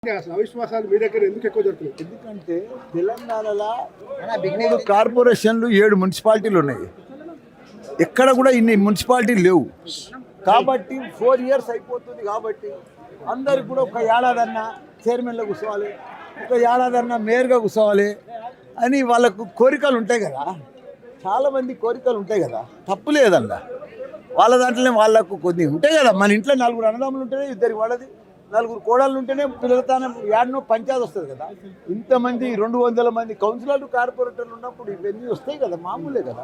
అవిశ్వాసాలు మీ దగ్గర ఎందుకు ఎక్కువ జరుగుతున్నాయి? ఎందుకంటే తెలంగాణలో 3 కార్పొరేషన్లు 7 మున్సిపాలిటీలు ఉన్నాయి. ఎక్కడ కూడా ఇన్ని మున్సిపాలిటీలు లేవు. కాబట్టి 4 ఇయర్స్ అయిపోతుంది. కాబట్టి అందరికి కూడా ఒక ఏడాదన్నా చైర్మన్లో కూర్చోవాలి, ఒక ఏడాదన్నా మేయర్గా కూర్చోవాలి అని వాళ్ళకు కోరికలు ఉంటాయి కదా. చాలామంది కోరికలు ఉంటాయి కదా, తప్పు లేదన్న. వాళ్ళ దాంట్లోనే వాళ్ళకు కొన్ని ఉంటాయి కదా. మన ఇంట్లో 4 అన్నదమ్ములు ఉంటేనే ఇద్దరికి వాళ్ళది, 4 కోడళ్ళు ఉంటేనే పిల్లలతోనే ఏడనో పంచాయతీ వస్తుంది కదా. ఇంతమంది 200 మంది కౌన్సిలర్లు కార్పొరేటర్లు ఉన్నప్పుడు ఇవన్నీ వస్తాయి కదా, మామూలే కదా.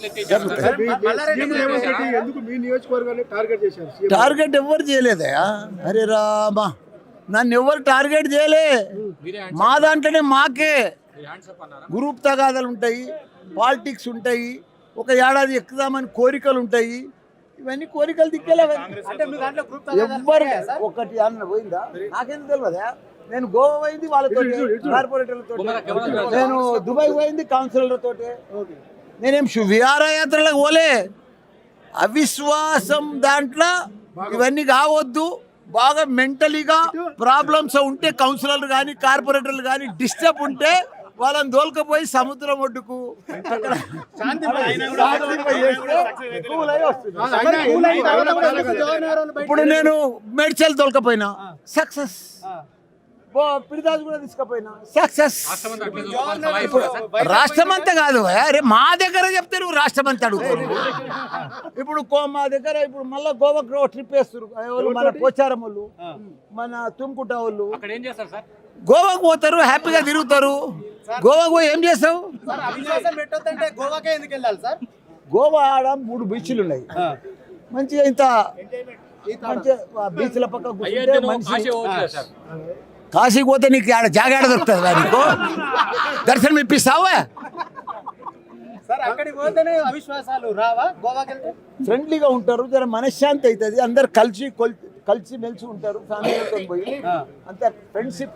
టార్గెట్ ఎవరు చేయలేదయా? అరే రామా, నన్ను ఎవరు టార్గెట్ చేయలే. మా దాంట్లోనే మాకే గ్రూప్ తగాదాలు ఉంటాయి, పాలిటిక్స్ ఉంటాయి, ఒక ఏడాది ఎక్కుదామని కోరికలు ఉంటాయి. ఇవన్నీ కోరికలు దిక్కేలా ఎవ్వరు ఒకటి అన్న పోయిందా నాకేం తెలియదా? నేను గోవా పోయింది వాళ్ళతో, కార్పొరేటర్లతో. నేను దుబాయ్ పోయింది కౌన్సిలర్లతో. నేనేం విహారయాత్రలకు పోలే. అవిశ్వాసం దాంట్లో ఇవన్నీ కావద్దు. బాగా మెంటలీగా ప్రాబ్లమ్స్ ఉంటే కౌన్సిలర్లు కానీ కార్పొరేటర్లు కానీ డిస్టర్బ్ ఉంటే వాళ్ళని దోల్కపోయి సముద్రం ఒడ్డుకు ఇప్పుడు నేను మేడ్చల్ తోలకపోయినా సక్సెస్, పిడిదాస్ కూడా తీసుకపోయినా సక్సెస్. రాష్ట్రం అంతా కాదు, అరే మా దగ్గర చెప్తే నువ్వు రాష్ట్రం అంతా అడుగుతారు. ఇప్పుడు మా దగ్గర ఇప్పుడు మళ్ళీ గోవాకు ట్రిప్ వేస్తారు. మన పోచారం వాళ్ళు, మన తుమ్కుట వాళ్ళు గోవాకు పోతారు, హ్యాపీగా తిరుగుతారు. గోవాకు పోయి ఏం చేస్తావు? గోవా ఆడ 3 బీచ్లు ఉన్నాయి. మంచిగా ఇంత మంచిగా బీచ్ల పక్క కూర్చుంటే మనిషి. కాశీకి పోతే నీకు ఆడ జాగాడ దొరుకుతుంది, నీకు దర్శనం ఇప్పిస్తావా? ఫ్రెండ్లీగా ఉంటారు, జర మనశ్శాంతి అవుతుంది. అందరు కలిసి మెలిసి ఉంటారు. ఫ్యామిలీతో పోయి అంతే ఫ్రెండ్షిప్.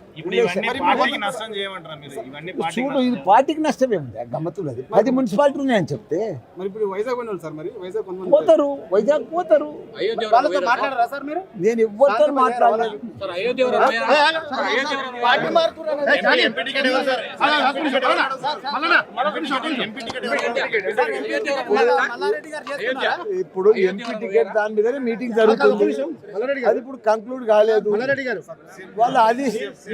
చూడు, ఇది పార్టీకి నష్టం ఏముంది? గమ్మతున్నది. 10 మున్సిపాలిటీ ఉన్నాయని చెప్తే పోతారు, వైజాగ్ పోతారు. నేను ఎవరితో మాట్లాడలేదు. ఇప్పుడు ఎంపీ టికెట్ దాని మీద మీటింగ్ జరుగుతుంది. అది ఇప్పుడు కంక్లూడ్ కాలేదు. వాళ్ళు అది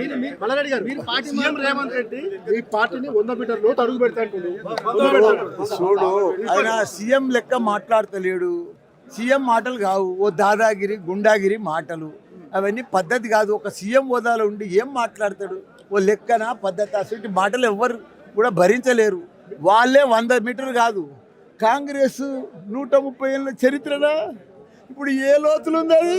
రేవంత్ రెడ్డి ఈ పార్టీని 100 మీటర్లు అడుగు పెడతాడు. చూడు, ఆయన సీఎం లెక్క మాట్లాడతలేడు. సీఎం మాటలు కావు, ఓ దాదాగిరి గుండాగిరి మాటలు. అవన్నీ పద్ధతి కాదు. ఒక సీఎం హోదాలో ఉండి ఏం మాట్లాడతాడు? ఓ లెక్కన పద్ధతి. అసలు మాటలు ఎవ్వరు కూడా భరించలేరు. వాళ్ళే 100 మీటర్లు కాదు, కాంగ్రెస్ 130 ఏళ్ళ చరిత్రనా? ఇప్పుడు ఏ లోతులు ఉంది అది?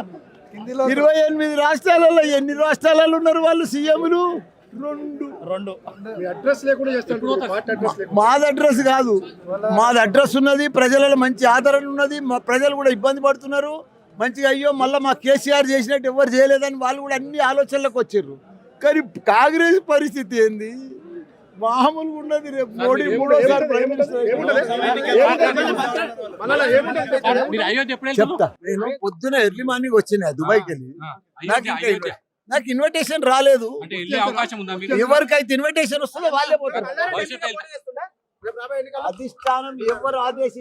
28 రాష్ట్రాలలో ఎన్ని రాష్ట్రాలలో ఉన్నారు వాళ్ళు సీఎంలు? 2. అడ్రస్ లేకుండా చేస్తారు. మాది అడ్రస్ కాదు, మాది అడ్రస్ ఉన్నది. ప్రజలలో మంచి ఆదరణ ఉన్నది. మా ప్రజలు కూడా ఇబ్బంది పడుతున్నారు. మంచిగా అయ్యో మళ్ళీ మా కేసీఆర్ చేసినట్టు ఎవరు చేయలేదని వాళ్ళు కూడా అన్ని ఆలోచనలకు వచ్చారు. కానీ కాంగ్రెస్ పరిస్థితి ఏంది? మామూలుగా ఉన్నది. రేపు మోడీ 3వ ప్రైమ్ మినిస్టర్. చెప్తా. నేను పొద్దున ఎర్లీ మార్నింగ్ వచ్చినా దుబాయ్కి వెళ్ళి. నాకు ఇన్విటేషన్ రాలేదు. ఎవరికైతే ఇన్విటేషన్ వస్తుందో వాళ్ళే పోతారు. అధిష్టానం ఎవరు ఆదేశం